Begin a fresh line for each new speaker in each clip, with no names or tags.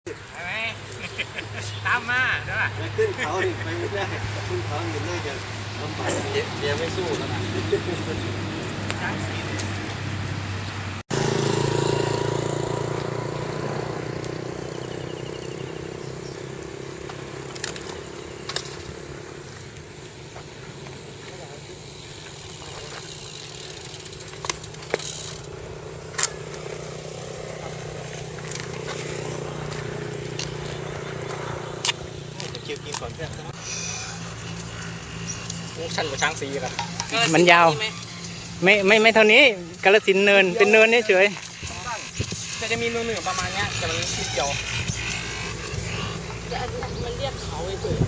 ใช่ไหมตามมาใช่ป่ะ
ขึ้นเขาดิไปไม่ได้ขึ้นเขาอยู่น่าจะลำบากเบียร์ไม่สู้แล้วนะ
ช้างสี
คิวกินก่อนเพื่อน
ชันกว่าช้างสีกัน
มันยาวไม่เท่านี้กาฬสินธุ์เนินเป็นเนินเฉย
จะมีเนื้อประมาณนี้แต่มันนิดเดียว
มันเรียกเขาเฉย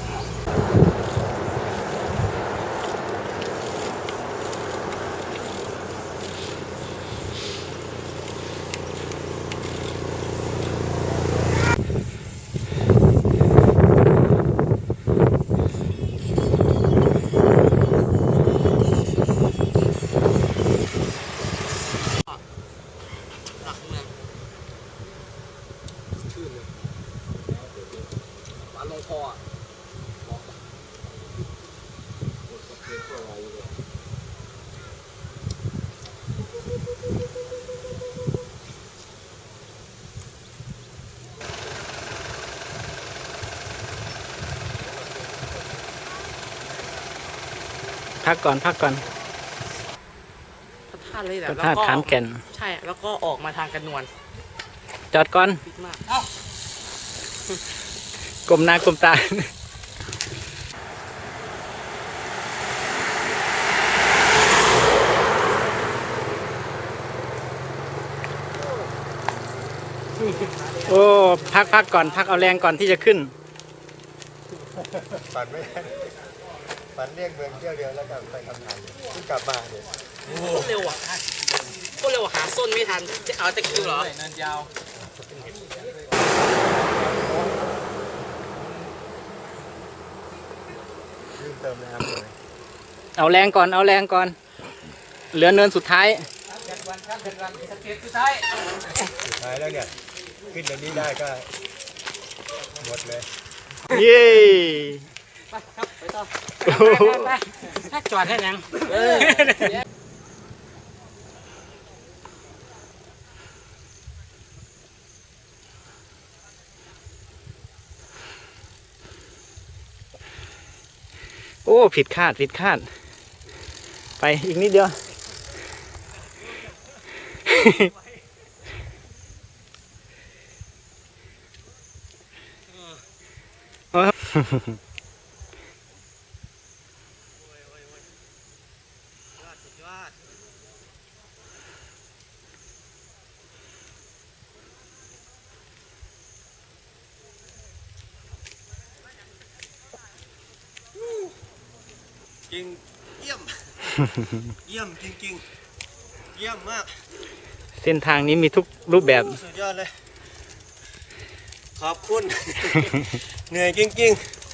หลักเมือง
ชื่อเลยหวานลงคออ่ะ
พักก่อน
พระธาตุเลยแหละ
พระธาตุขามแก่น
ใช่แล้วก็ออกมาทางกระนวล
จอดก่อน
พิดมาก
กลมหน้ากลมตาโอ้พักก่อนพักเอาแรงก่อนที่จะขึ้น
ปั่นไม่ได้ปั่นเรียกเมืองเที่ยวเดียวแล้วก็ไปทำงานขึ้นกลับมาเดี๋ยว
โคตรเร็วอ่ะโคตรเร็วหาส้นไม่ทันจะเอาตะคิวเหรอ
เนินยาว
ลืมเติมน้ำเลย
เอาแรงก่อนเอาแรงก่อนเหลือเนินสุดท้าย
วันสเก็ตสุดท้าย
สุดท้ายแล้วเนี่ยขึ้นตรงนี้ได้ก็หมดเลย
เย้
ไปครับไปต่อ
ไปถ้าจอดให้ยัง
โอ้ผิดคาดไปอีกนิดเดียว
จริงเยี่ยมเยี่ยมจริงๆเยี่ยมมาก
เส้นทางนี้มีทุกรูปแบบ
สุดยอดเลยขอบคุณเหนื่อยจริงๆ